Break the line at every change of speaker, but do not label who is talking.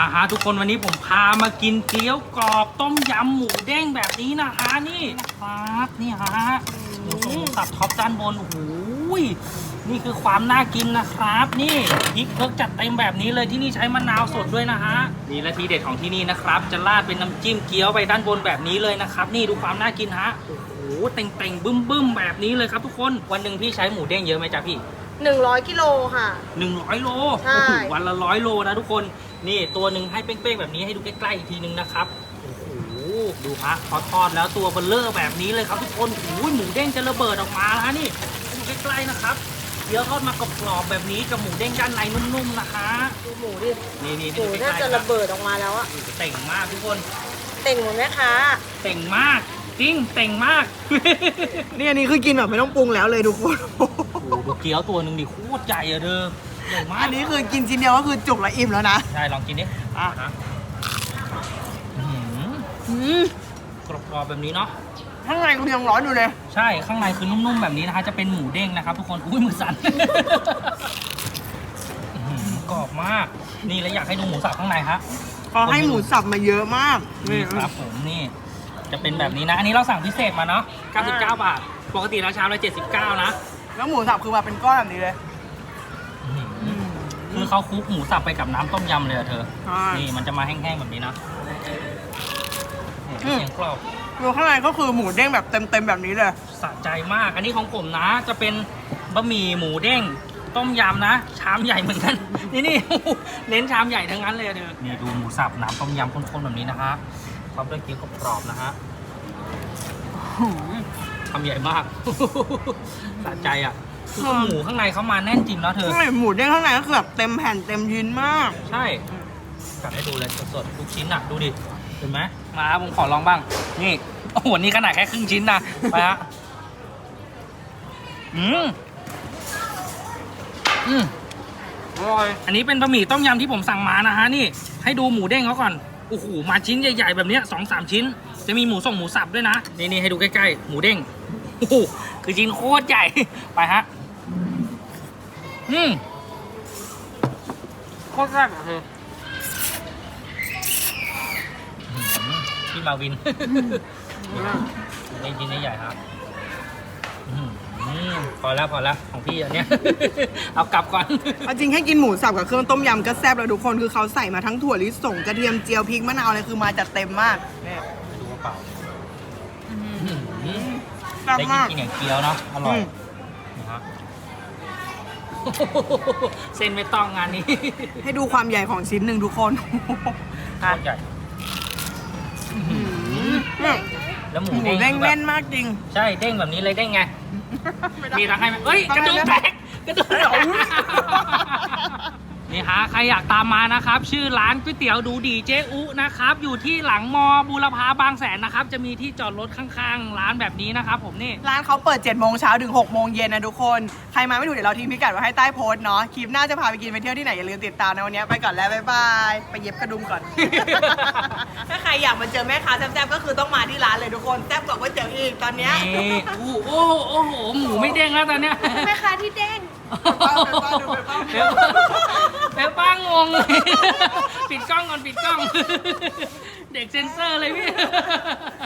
ฮะทุกคนวันนี้ผมพามากินเกี๊ยวกรอบต้มยำหมูเด้งแบบนี้นะฮะนี่นะครับนี่ฮะหมูสับท็อปด้านบนโอ้โหนี่คือความน่ากินนะครับนี่พริกเพิกจัดเต็มแบบนี้เลยที่นี่ใช้มะนาวสดด้วยนะฮะนี่และทีเด็ดของที่นี่นะครับจะราดเป็นน้ำจิ้มเกี๊ยวไปด้านบนแบบนี้เลยนะครับนี่ดูความน่ากินฮะโอ้โหเต่งๆบึ้มๆแบบนี้เลยครับทุกคนวันหนึ่งพี่ใช้หมูเด้งเยอะไหมจ๊ะพี่
100 กิโลค่ะ
100 โล
ใช่
วันละ100 โลนะทุกคนนี่ตัวหนึ่งให้เป้งๆแบบนี้ให้ดูใกล้ๆอีกทีนึงนะครับโอ้โหดูฮะพอทอดแล้วตัวเบลเลอร์แบบนี้เลยครับทุกคนโอ้ยหมูเด้งจะระเบิดออกมาแล้วนี่ให้ดูใกล้ๆนะครับเดี๋ยวทอดมากรอบๆแบบนี้กับหมูเด้งด้านในนุ่มๆนะคะ
ดูหมูดิ
นี่
หมู
ดูใกล้
น่า
ๆ
จะระเบิดออกมาแล้วอะ
เต่งมากทุกคน
เต่งหมดไหมคะ
เต่งมากจริงเต่งมาก
นี่อันนี้คือกินแบบไม่ต้องปรุงแล้วเลยทุกคน
โอ้โหดูเกี๊ยวตัวหนึ่งดิโคตรใหญ่อะเด้อใหญ่มาก
อันนี้คือกินชิ้นเดียวก็คือจุกและอิ่มแล้วนะ
ใช่ลองกินดิ
อ่ะ
ฮะกรอบๆแบบนี้เนาะ
ข้างในกูยังร้อนอยู่เลย
ใช่ข้างในคือนุ่มๆแบบนี้นะคะจะเป็นหมูเด้งนะครับทุกคนอุ้ยมือสั่น กรอบมากนี่แล้วอยากให้ดูหมูสับข้างในฮะ
เขาให้หมูสับมาเยอะมาก
นี่ครับผมนี่จะเป็นแบบนี้นะอันนี้เราสั่งพิเศษมาเนาะ99 บาทปกติราชามละ79นะ
แล้วหมูสับคือมาเป็นก้อนแบบนี้เลย
คือเขาคลุกหมูสับไปกับน้ำต้มยำเลยอะเธอ
ใช่
นี่มันจะมาแห้งๆแบบนี้นะเสียงกรอบ
ดูข้างในก็คือหมูเด้งแบบเต็มๆแบบนี้เลย
สะใจมาก อันนี้ของผมนะ จะเป็นบะหมี่หมูเด้งต้มยำนะ ชามใหญ่เหมือนกัน นี่ เน้นชามใหญ่ทั้งนั้นเลยเด้อนี่ดูหมูสับน้ำต้มยำข้นๆแบบนี้นะฮะพร้อมด้วยเกี๊ยวกรอบๆนะฮะทำใหญ่มาก สะใจอ่ะคือหมูข้างในเขามาแน่นจริงแล้วเธอ
ข้างในหมูเด้งข้างในก็คือแบบเต็มแผ่นเต็มชิ้นมาก
ใช่กัดให้ดูเลยสดๆทุกชิ้นอ่ะดูดิเห็นไหมมาผมขอลองบ้างนี่โอ้โหนี่ขนาดแค่ครึ่งชิ้นนะไปฮะอร่อยอันนี้เป็นบะหมี่ต้มยำที่ผมสั่งมานะฮะนี่ให้ดูหมูเด้งเขาก่อนโอ้โหมาชิ้นใหญ่ๆแบบเนี้ย2-3 ชิ้น จะมีหมูส่งหมูสับด้วยนะนี่ให้ดูใกล้ๆหมูเด้งโอ้โหคือชิ้นโคตรใหญ่ไปฮะโคตรแซ่บอะเธอพี่มาวินนี่ชิ้นใหญ่ครับพอแล้วของพี่อันเนี้ย เอากลับก่อน
เอาจริงให้กินหมูสับกับเครื่องต้มยำก็แซ่บแล้วทุกคนคือเขาใส่มาทั้งถั่วลิสงกระเทียมเจียวพริกมะนาวอะไรคือมาจัดเต็มมากนี่
ดูกระเป๋า
แซ่บ
ได้
มาก
กินอย่างเกี๊ยวเนาะอร่อยนะฮะเส้นไม่ต้องงานนี้
ให้ดูความใหญ่ของชิ้นหนึ่งทุกคน
โคตรใหญ่แล้วหมู
หมู
เด้ง
เด้ง
คือแบบ
แน่นมากจริง
ใช่เด้งแบบนี้เลยเด้งไงมีทั้งให้ไหมเอ้ยกระดูกแตกกระดูกแตกนี่ฮะใครอยากตามมานะครับชื่อร้านก๋วยเตี๋ยวดูดีเจ๊อุนะครับอยู่ที่หลังมอบูรพาบางแสนนะครับจะมีที่จอดรถข้างๆร้านแบบนี้นะครับผมนี่
ร้านเขาเปิด7 โมงเช้าถึง6 โมงเย็นนะทุกคนใครมาไม่ถูกเดี๋ยวเราทิ้งพิกัดไว้ให้ใต้โพสต์เนาะคลิปหน้าจะพาไปกินไปเที่ยวที่ไหนอย่าลืมติดตามนะวันนี้ไปก่อนแล้วบ๊ายบายไปเย็บกระดุมก่อน ถ้าใครอยากมาเจอแม่ค้าแซ่บๆก็คือต้องมาที่ร้านเลยทุกคนแซ่บกว่าก๋วยเตี๋ยวอีกตอนเนี้ย
นี่โอ้โหหมูไม่เด้งแล้วตอนเนี้ย
แม่ค้าที่เด้ง
เป๊ป้างงเลย ปิดกล้องก่อนปิดกล้อง เด็กเซ็นเซอร์เลยพี่